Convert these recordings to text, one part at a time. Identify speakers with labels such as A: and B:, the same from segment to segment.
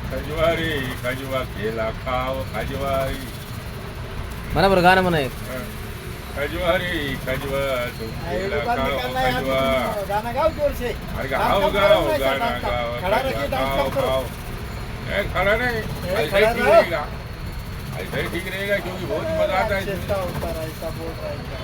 A: खजवारी खजवा केला खाव खजवारी.
B: म्हणा बरं गाणं म्हणा एक.
A: खजवारी खजवा तू केला खाव खजवा.
C: गाना गाओ जोर से.
A: अरे गाओ गाओ गाना गाओ
C: खड़ा रहिए, डांस
A: खाओ
C: करो.
A: खाओ. खड़ा नहीं ऐसे
C: खड़ा
A: ठीक
C: रहो.
A: रहेगा. ऐसे ठीक रहेगा क्योंकि बहुत मजा आता है.
C: चेष्टा होता रहा, ऐसा बोल रहा है.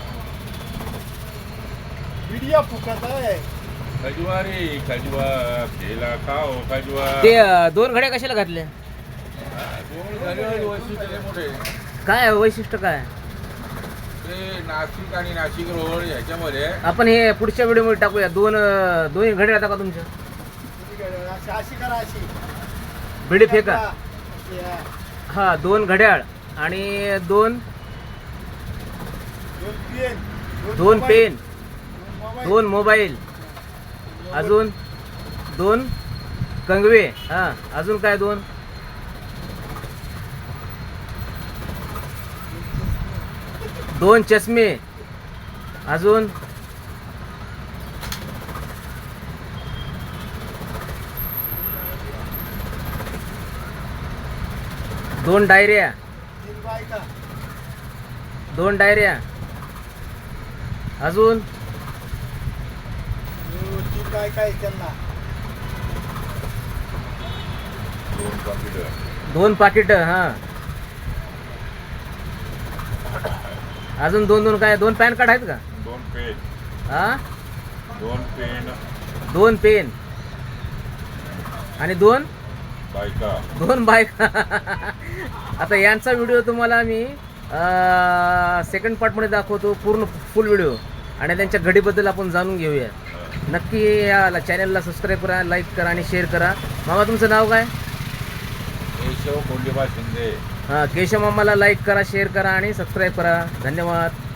C: वीडियो फुकत है.
A: खजवारी खजवा केला खाओ खजवा.
B: ते दोन घड्या कशाला घातल्या?
A: दोन झाले वैशिष्ट्य मोठे.
B: काय वैशिष्ट्य काय?
A: ते नाशिक आणि नाशिक रोड ह्याच्यामध्ये
B: आपण हे पुढच्या व्हिडिओमध्ये टाकूया. दोन घड्या आता का तुमच्या?
C: अशी करा अशी.
B: भिडी फेका.
C: अशी आहे.
B: हा 2 घड्याळ आणि 2
C: दोन पेन.
B: पेन, 2 मोबाईल, अजून 2 कंगवे. हा अजून काय 2 चष्मे, अजून 2 डायऱ्या, 2 डायऱ्या, अजून
C: काय काय त्यांना
A: 2 कॉम्प्युटर.
B: 2 पाकिट. हा अजून 2 काय? 2 पॅन कार्ड आहेत का?
A: 2 पेन.
B: हा
A: 2 पेन.
B: 2 पेन आणि 2
A: बायका.
B: 2 बाईक. आता यांचा व्हिडिओ तुम्हाला मी सेकंड पार्टमध्ये दाखवतो, पूर्ण फुल व्हिडिओ, आणि त्यांच्या घडीबद्दल आपण जाणून घेऊया. नक्की या चॅनलला सबस्क्राईब करा, लाईक करा आणि शेअर करा. मामा तुमचं नाव काय?
A: केशव कोंडीबा शिंदे.
B: हां केशव मामाला लाईक करा, शेअर करा आणि सबस्क्राईब करा. धन्यवाद.